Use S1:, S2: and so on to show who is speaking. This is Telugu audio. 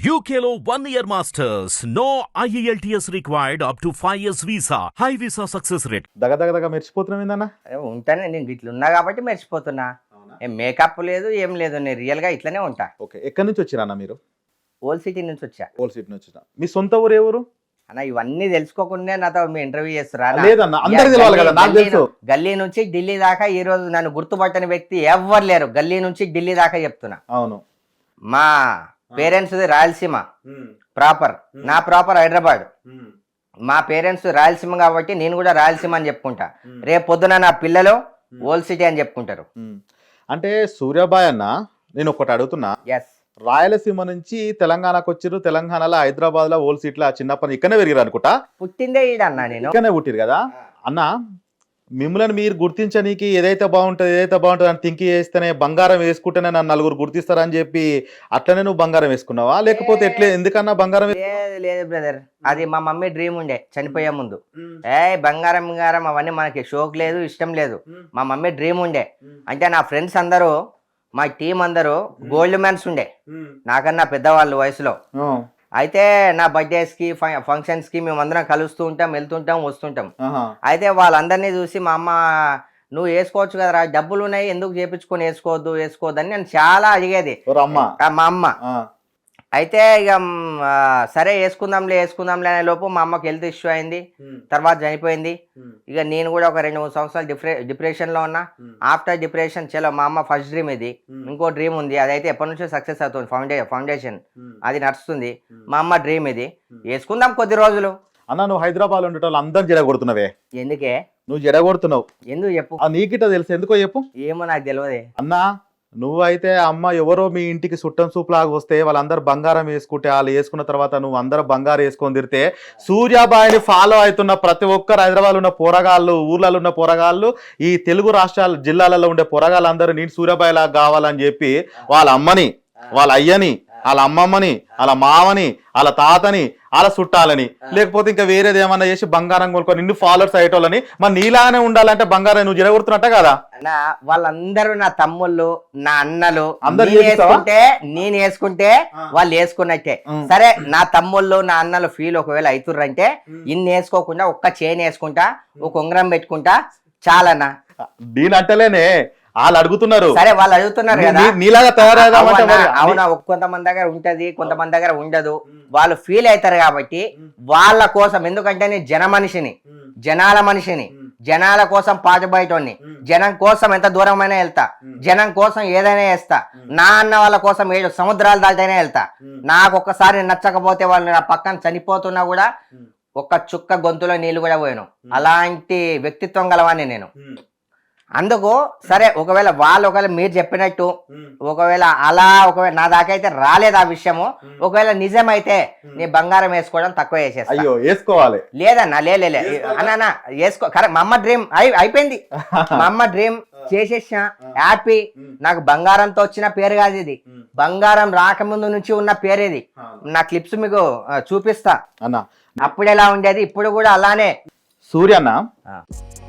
S1: UKLO 1 year masters. No IELTS required up to 5 years visa. High visa success rate.
S2: దగదగదగ మెరిచిపోతున్నావు ఏందన్నా?
S3: ఉంటానే నేను ఇట్లా ఉన్నా కాబట్టి మర్చిపోతున్నా. ఏం మేకప్ లేదు ఏం లేదు, నేను రియల్గా ఇట్లనే ఉంటా.
S2: ఓకే, ఎక్కడి నుంచి వచ్చిరా అన్న మీరు?
S3: ఓల్డ్ సిటీ నుంచి వచ్చా.
S2: ఓల్డ్ సిటీ నుంచి వచ్చిన. మీ సొంత ఊరు ఏ ఊరు
S3: అన్న? ఇవన్నీ తెలుసుకోకుండా నాతో మీ ఇంటర్వ్యూ చేస్తురా?
S2: లేదన్న, అందరికి తెలవాలి కదా. నాకు తెలుసు.
S3: గల్లీ నుంచి ఢిల్లీ దాకా ఈ రోజు నన్ను గుర్తుపట్టని వ్యక్తి ఎవ్వరు లేరు. గల్లీ నుంచి ఢిల్లీ దాకా చెప్తున్నా.
S2: అవును.
S3: మా పేరెంట్స్ రాయలసీమ ప్రాపర్, నా ప్రాపర్ హైదరాబాద్. మా పేరెంట్స్ రాయలసీమ కాబట్టి నేను కూడా రాయలసీమ అని చెప్పుకుంటా. రేపు పొద్దున నా పిల్లలు ఓల్డ్ సిటీ అని చెప్పుకుంటారు.
S2: అంటే సూర్యాబాయ్ అన్న, నేను ఒకటి అడుగుతున్నా.
S3: ఎస్,
S2: రాయలసీమ నుంచి తెలంగాణకు వచ్చిర్రు. తెలంగాణలో హైదరాబాద్ లో ఓల్డ్ సిటీ లో చిన్నప్పటి ఇక్కడనే పెరిగారు అనుకుంటా.
S3: పుట్టిందే ఈడన్నా, నేను
S2: ఇక్కడనే పుట్టిరు కదా అన్న. మిమ్మల్ని మీరు గుర్తించనీకి ఏదైతే బాగుంటుంది అని థింక్ చేస్తేనే బంగారం వేసుకుంటేనే నన్ను నలుగురు గుర్తిస్తారని చెప్పి అట్లనే నువ్వు బంగారం వేసుకున్నావా, లేకపోతే ఎట్లే ఎందుకన్నా బంగారం?
S3: లేదు బ్రదర్, అది మా మమ్మీ డ్రీమ్ ఉండే చనిపోయే ముందు. బంగారం అవన్నీ మనకి షోక్ లేదు, ఇష్టం లేదు. మా మమ్మీ డ్రీమ్ ఉండే. అంటే నా ఫ్రెండ్స్ అందరూ, మా టీం అందరూ గోల్డ్ మ్యాన్స్ ఉండే, నాకన్నా పెద్దవాళ్ళు వయసులో. అయితే నా బర్త్డేస్ కి ఫంక్షన్స్ కి మేమందరం కలుస్తూ ఉంటాం, వెళ్తుంటాం, వస్తుంటాం. అయితే వాళ్ళందరినీ చూసి మా అమ్మ, నువ్వు వేసుకోవచ్చు కదరా, డబ్బులు ఉన్నాయి, ఎందుకు చేపించుకొని వేసుకోవద్దు అని నేను చాలా అడిగేది మా అమ్మ. అయితే ఇక సరే వేసుకుందాంలే అనే లోపు మా అమ్మకి హెల్త్ ఇష్యూ అయింది, తర్వాత చనిపోయింది. ఇక నేను కూడా ఒక 2-3 సంవత్సరాలు డిప్రెషన్ లో ఉన్నా. ఆఫ్టర్ డిప్రెషన్ చలో, మా అమ్మ ఫస్ట్ డ్రీమ్ ఇది. ఇంకో డ్రీమ్ ఉంది, అదైతే ఎప్పటి నుంచో సక్సెస్ అవుతుంది, ఫౌండేషన్ అది నడుస్తుంది. మా అమ్మ డ్రీమ్ ఇది, వేసుకుందాం కొద్ది రోజులు.
S2: అన్న, నువ్వు హైదరాబాద్ లో ఉండేటోళ్ళు అందరు జడగొడుతున్నావే.
S3: ఎందుకే
S2: నువ్వు జడగొడుతున్నావు?
S3: ఎందుకు చెప్పు.
S2: నీకిట తెలుసు, ఎందుకో చెప్పు.
S3: ఏమో నాకు తెలియదే
S2: అన్నా. నువ్వైతే అమ్మ ఎవరో మీ ఇంటికి చుట్టం సూపులాగా వస్తే వాళ్ళందరూ బంగారం వేసుకుంటే, వాళ్ళు వేసుకున్న తర్వాత నువ్వు అందరూ బంగారం వేసుకొని తిరితే, సూర్యాబాయిని ఫాలో అవుతున్న ప్రతి ఒక్కరు హైదరాబాద్ ఉన్న పోరగాళ్ళు, ఊర్లలో ఉన్న పోరగాళ్ళు, ఈ తెలుగు రాష్ట్రాల జిల్లాలలో ఉండే పోరగాళ్ళందరూ నేను సూర్యాబాయి లాగా కావాలని చెప్పి వాళ్ళ అమ్మని, వాళ్ళ అయ్యని, వాళ్ళ అమ్మమ్మని, వాళ్ళ మామని, వాళ్ళ తాతని, వాళ్ళ చుట్టాలని, లేకపోతే ఇంకా వేరేది ఏమన్నా చేసి బంగారం కొనుక్కొని నిన్ను ఫాలోవర్స్ అయ్యేటోళ్ళని, మరి నీలాగానే ఉండాలంటే బంగారం నువ్వు జరగొడుతున్నట్ట కదా.
S3: వాళ్ళందరూ నా తమ్ముళ్ళు, నా అన్నలు,
S2: అందరు
S3: నేను వేసుకుంటే వాళ్ళు వేసుకున్నట్టే. సరే, నా తమ్ముళ్ళు, నా అన్నలు ఫీల్ ఒకవేళ అవుతుర్రంటే, ఇన్ని వేసుకోకుండా ఒక్క చైన్ వేసుకుంటా, ఒక ఉంగరం పెట్టుకుంటా చాలన్నా.
S2: దీని అంటలేనే వాళ్ళు అడుగుతున్నారు.
S3: సరే, వాళ్ళు అడుగుతున్నారు కదా,
S2: నీలాగా తయారవునా?
S3: అవునా, కొంతమంది దగ్గర ఉంటది, కొంతమంది దగ్గర ఉండదు. వాళ్ళు ఫీల్ అవుతారు కాబట్టి వాళ్ళ కోసం, ఎందుకంటే నేను జనాల మనిషిని, జనాల కోసం పాటుబయటోని, జనం కోసం ఎంత దూరమైనా వెళ్తా, జనం కోసం ఏదైనా వేస్తా. నా అన్న వాళ్ళ కోసం 7 సముద్రాలు దాటైనా వెళ్తా. నాకు ఒక్కసారి నచ్చకపోతే వాళ్ళు నా పక్కన చనిపోతున్నా కూడా ఒక్క చుక్క గొంతులో నీళ్లు కూడా పోయాను. అలాంటి వ్యక్తిత్వం గలవాన్ని నేను. అందుకు సరే, ఒకవేళ మీరు చెప్పినట్టు ఒకవేళ నా దాకా అయితే రాలేదు ఆ విషయము, ఒకవేళ నిజమైతే నీ బంగారం వేసుకోవడం తక్కువ చేసేస్తా.
S2: అయ్యో, వేసుకోవాలి.
S3: లేదన్నా, లే అన్నా వేసుకో. కరెక్ట్, మా అమ్మ డ్రీమ్ అయిపోయింది. మా అమ్మ డ్రీమ్ చేసేసా, హ్యాపీ. నాకు బంగారంతో వచ్చిన పేరు కాదు ఇది, బంగారం రాకముందు నుంచి ఉన్న పేరు ఇది. నా క్లిప్స్ మీకు చూపిస్తా.
S2: అన్న,
S3: అప్పుడు ఎలా ఉండేది, ఇప్పుడు కూడా అలానే.
S2: సూర్యన్న